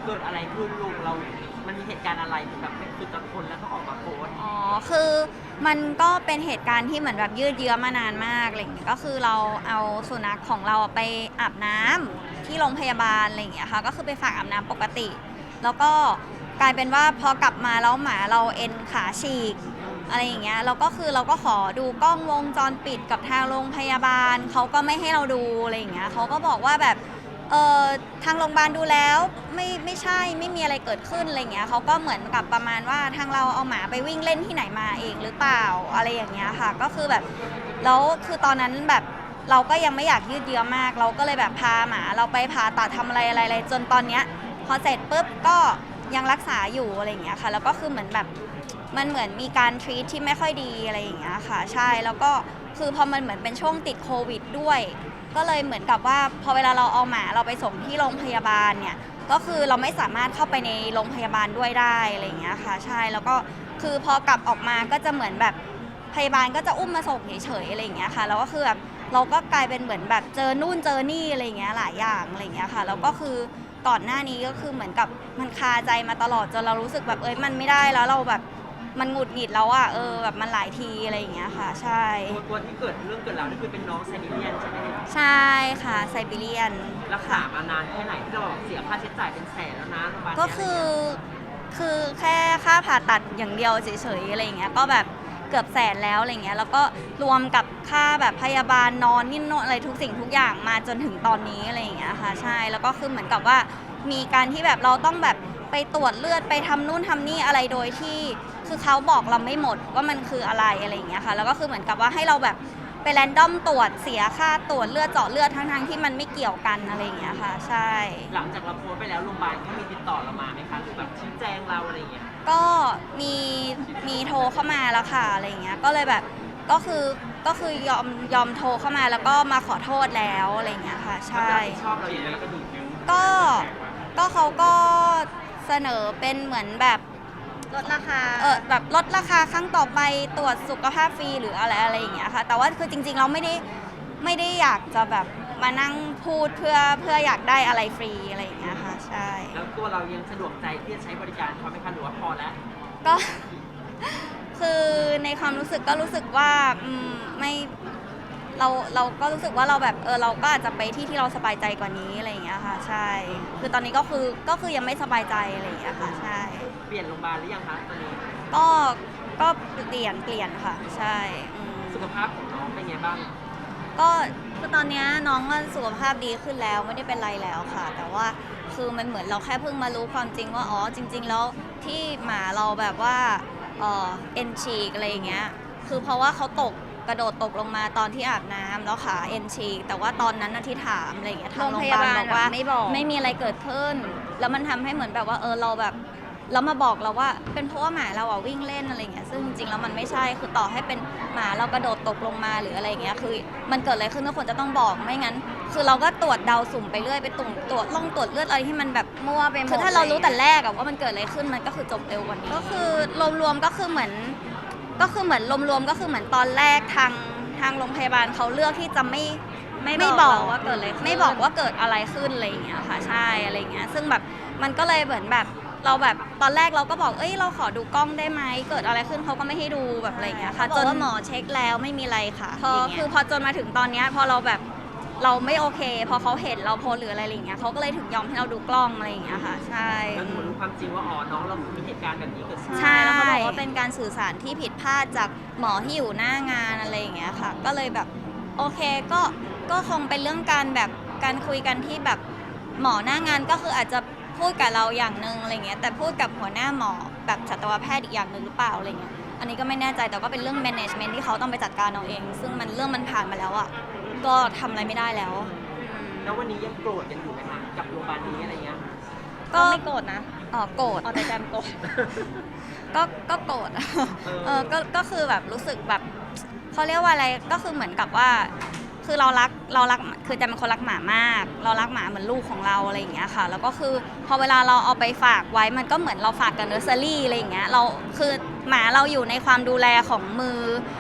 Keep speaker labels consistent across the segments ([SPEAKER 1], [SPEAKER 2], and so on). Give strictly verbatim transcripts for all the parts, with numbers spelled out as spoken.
[SPEAKER 1] เกิดอะไรขึ้นลูกเรา มันมีเหตุการณ์อะไรที่แบบไม่คือตะคนแล้วก็ออกมาโพสต์
[SPEAKER 2] อ๋อคือมันก็เป็นเหตุการณ์ที่เหมือนแบบยืดเยื้อมานานมากอะไรอย่างเงี้ยก็คือเราเอาสุนัขของเราไปอาบน้ำที่โรงพยาบาลอะไรอย่างเงี้ยค่ะก็คือไปฝากอาบน้ำปกติ แล้วก็กลายเป็นว่าพอกลับมาแล้วหมาเราเอ็นขาฉีกอะไรอย่างเงี้ยเราก็คือเราก็ขอดูกล้องวงจรปิดกับทางโรงพยาบาลเขาก็ไม่ให้เราดูอะไรอย่างเงี้ยเขาก็บอกว่าแบบเออทางโรงพยาบาลดูแล้วไม่ไม่ใช่ไม่มีอะไรเกิดขึ้นอะไรเงี้ยเขาก็เหมือนกับประมาณว่าทางเราเอาหมาไปวิ่งเล่นที่ไหนมาเองหรือเปล่าอะไรอย่างเงี้ยค่ะก็คือแบบแล้วคือตอนนั้นแบบเราก็ยังไม่อยากยืดเยื้อมากเราก็เลยแบบพาหมาเราไปผ่าตัดทำอะไรอะไรอะไรจนตอนเนี้ยพอเสร็จปุ๊บก็ยังรักษาอยู่อะไรอย่างเงี้ยค่ะแล้วก็คือเหมือนแบบมันเหมือนมีการทรีตที่ไม่ค่อยดีอะไรอย่างเงี้ยค่ะใช่แล้วก็คือพอมันเหมือนเป็นช่วงติดโควิดด้วยก็เลยเหมือนกับว่าพอเวลาเราเอาหมาเราไปส่งที่โรงพยาบาลเนี่ยก็คือเราไม่สามารถเข้าไปในโรงพยาบาลด้วยได้อะไรอย่างเงี้ยค่ะใช่แล้วก็คือพอกลับออกมาก็จะเหมือนแบบพยาบาลก็จะอุ้มมาส่งเฉยๆอะไรอย่างเงี้ยค่ะแล้วก็คือแบบเราก็กลายเป็นเหมือนแบบเจอนู่นเจอนี่อะไรอย่างเงี้ยหลายอย่างอะไรอย่างเงี้ยค่ะแล้วก็คือก่อนหน้านี้ก็คือเหมือนกับมันคาใจมาตลอดจนเรารู้สึกแบบเอ้ยมันไม่ได้แล้วเราแบบมันหงุดหงิดแล้วอะเออแบบมันหลายทีอะไรอย่างเงี้ยค่ะใช่
[SPEAKER 1] ตัวตัวที่เกิดเรื่องเกิดราวนี่คือเป็นน้องไซบีเรียนใช่ไหมเนี่ย
[SPEAKER 2] ใช่ค่ะไซบีเรียน
[SPEAKER 1] รักษามานานแค่ไหนที่เราบอกเสียค่าใช้จ่ายเป็นแสนแล้วนะโรงพยาบาล
[SPEAKER 2] ก็
[SPEAKER 1] เนี้ย
[SPEAKER 2] คือคือแค่ค่าผ่าตัดอย่างเดียวเฉยๆอะไรอย่างเงี้ยก็แบบเกือบแสนแล้วอะไรเงี้ยแล้วก็รวมกับค่าแบบพยาบาลนอนนี่นอนอะไรทุกสิ่งทุกอย่างมาจนถึงตอนนี้อะไรอย่างเงี้ยค่ะใช่แล้วก็คือเหมือนกับว่ามีการที่แบบเราต้องแบบไปตรวจเลือดไปทำนู่นทำนี่อะไรโดยที่คือเขาบอกเราไม่หมดว่ามันคืออะไรอะไรอย่างเงี้ยค่ะแล้วก็คือเหมือนกับว่าให้เราแบบไปแรนดอมตรวจเสียค่าตรวจเลือดเจาะเลือดทั้งๆที่มันไม่เกี่ยวกันอะไรอย่างเงี้ยค่ะใช่
[SPEAKER 1] หลังจากเราโพสต์ไปแล้วโรงพยาบาลเขามีติดต่อเรามาไหมคะหรือแบบชี้แจงเราอะไรอย่างเงี้ย
[SPEAKER 2] ก็มีมีโทรเข้ามาแล้วค่ะอะไรอย่างเงี้ยก็เลยแบบก็คือก็คือยอมยอมโทรเข้ามาแล้วก็มาขอโทษแล้วอะไรอย่างเงี้ยค่ะใช่
[SPEAKER 1] ชอบเราอย่างนี้แล้วก็ดี
[SPEAKER 2] ก็ก็เขาก็เสนอเป็นเหมือนแบบลดราคาเออแบบลดราคาครั้งต่อไปตรวจสุขภาพฟรีหรืออะไรอะไรอย่างเงี้ยค่ะแต่ว่าคือจริงๆเราไม่ได้ไม่ได้อยากจะแบบมานั่งพูดเพื่อเพื่ออยากได้อะไรฟรีอะไรอย่างเงี้ยค่ะใช่
[SPEAKER 1] แล้วตัวเรายังสะดวกใจที่จะใช้บริการเขาไหมคะหรือว่าพอแล้ว
[SPEAKER 2] ก็คือในความรู้สึกก็รู้สึกว่าอืมไม่เราเราก็รู้สึกว่าเราแบบเออเราก็อาจจะไปที่ที่เราสบายใจกว่านี้อะไรอย่างเงี้ยค่ะใช่คือตอนนี้ก็คือก็คือยังไม่สบายใจอะไรอย่างเงี้ยค่ะใช่
[SPEAKER 1] เปลี่ยนโรงพยาบาลหรือยังคะตอนนี้
[SPEAKER 2] ก็ก็เปลี่ยนเปลี่ยนค่ะใช่
[SPEAKER 1] สุขภาพของน้องเป็นไงบ้าง
[SPEAKER 2] ก็คือตอนนี้น้องก็สุขภาพดีขึ้นแล้วไม่ได้เป็นไรแล้วค่ะแต่ว่าคือมันเหมือนเราแค่เพิ่งมารู้ความจริงว่าอ๋อจริงๆแล้วที่หมาเราแบบว่าเออเอ็นฉีกอะไรอย่างเงี้ยคือเพราะว่าเขาตกกระโดดตกลงมาตอนที่อาบน้ำแล้วขาเอ็นฉีกแต่ว่าตอนนั้นนะที่ถามอะไรอย่างเงี้ยทางโรงพยาบาลบอกว่าไม่บอกไม่มีอะไรเกิดขึ้นแล้วมันทำให้เหมือนแบบว่าเออเราแบบแล้วมาบอกเราว่าเป็นเพราะว่าหมาเราอ่ะวิ่งเล่นอะไรเงี้ยซึ่งจริงๆแล้วมันไม่ใช่คือต่อให้เป็นหมาเรากระโดดตกลงมาหรืออะไรเงี้ยคือมันเกิดอะไรขึ้นทุกคนจะต้องบอกไม่งั้นคือเราก็ตรวจเดาสุ่มไปเรื่อยไปตุ่มตรวจล่องตรวจเลือดอะไรที่มันแบบมั่วไปหมดคือถ้าเรารู้แต่แรกอะว่ามันเกิดอะไรขึ้นมันก็คือจบเร็วกว่านี้ก็คือรวมๆก็คือเหมือนก็คือเหมือนรวมๆก็คือเหมือนตอนแรกทางทางโรงพยาบาลเขาเลือกที่จะไม่ไม่บอกว่าเกิดอะไรไม่บอกว่าเกิดอะไรขึ้นอะไรอย่างเงี้ยค่ะใช่อะไรอย่างเงี้ยซึ่งแบบมันก็เลยเหมือนแบบเราแบบตอนแรกเราก็บอกเอ้ยเราขอดูกล้องได้ไหมเกิดอะไรขึ้นเขาก็ไม่ให้ดูแบบอะไรอย่างเงี้ยค่ะจนหมอเช็คแล้วไม่มีอะไรค่ะพอคือพอจนมาถึงตอนเนี้ยพอเราแบบเราไม่โอเคพอเขาเห็นเราโพสหรืออะไรอย่างเงี้ยเขาก็เลยถึงยอมให้เราดูกล้องอะไรอย่างเงี้ยค่ะใช่
[SPEAKER 1] แล้วหนูรู้ความจริงว่าอ๋อน้องเรามีเหตุการณ์แบบนี้เกิดขึ้น
[SPEAKER 2] ใช่แล้วเขาบอกว่าเป็นการสื่อสารที่ผิดพลาดจากหมอที่อยู่หน้างานอะไรอย่างเงี้ยค่ะก็เลยแบบโอเคก็ก็คงเป็นเรื่องการแบบการคุยกันที่แบบหมอหน้างานก็คืออาจจะพูดกับเราอย่างนึงอะไรเงี้ยแต่พูดกับหัวหน้าหมอแบบสัตวแพทย์อีกอย่างหนึ่งหรือเปล่าอะไรเงี้ยอันนี้ก็ไม่แน่ใจแต่ก็เป็นเรื่อง management ที่เขาต้องไปจัดการเอาเองซึ่งมันเรื่องมันผ่านมาแล้วอ่ะก็ทำอะไรไม่ได้แล้ว
[SPEAKER 1] แล้ววันนี้ยังโกรธกันอยู่ไหมคะกับโรงพยาบาลนี้อะไรเงี้ย
[SPEAKER 2] ก็ไม่โกรธนะอ๋อโกรธอ๋อแต่แจมโกรธก็ก็โกรธเออก็ก็คือแบบรู้สึกแบบเขาเรียกว่าอะไรก็คือเหมือนกับว่าคือเรารักเรารักคือจะเป็นคนรักหมามากเรารักหมาเหมือนลูกของเราอะไรอย่างเงี้ยค่ะแล้วก็คือพอเวลาเราเอาไปฝากไว้มันก็เหมือนเราฝากกับเนอร์เซอรี่อะไรอย่างเงี้ยเราคือหมาเราอยู่ในความดูแลของมือ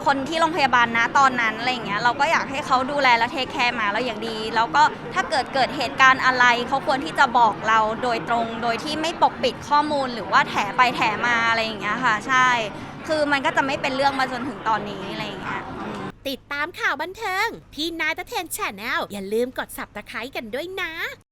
[SPEAKER 2] คนที่โรงพยาบาลนะตอนนั้นอะไรอย่างเงี้ยเราก็อยากให้เขาดูแลและเทคแคร์หมาเราอย่างดี แล้วก็ถ้าเกิดเกิดเหตุการณ์อะไรเขาควรที่จะบอกเราโดยตรงโดยที่ไม่ปกปิดข้อมูลหรือว่าแถไปแถมาอะไรอย่างเงี้ยค่ะใช่คือมันก็จะไม่เป็นเรื่องมาจนถึงตอนนี้อะไรอย่างเงี้ย
[SPEAKER 3] ติดตามข่าวบันเทิงที่นายตะเทนแชนแนลอย่าลืมกด ซับสไครบ์ กันด้วยนะ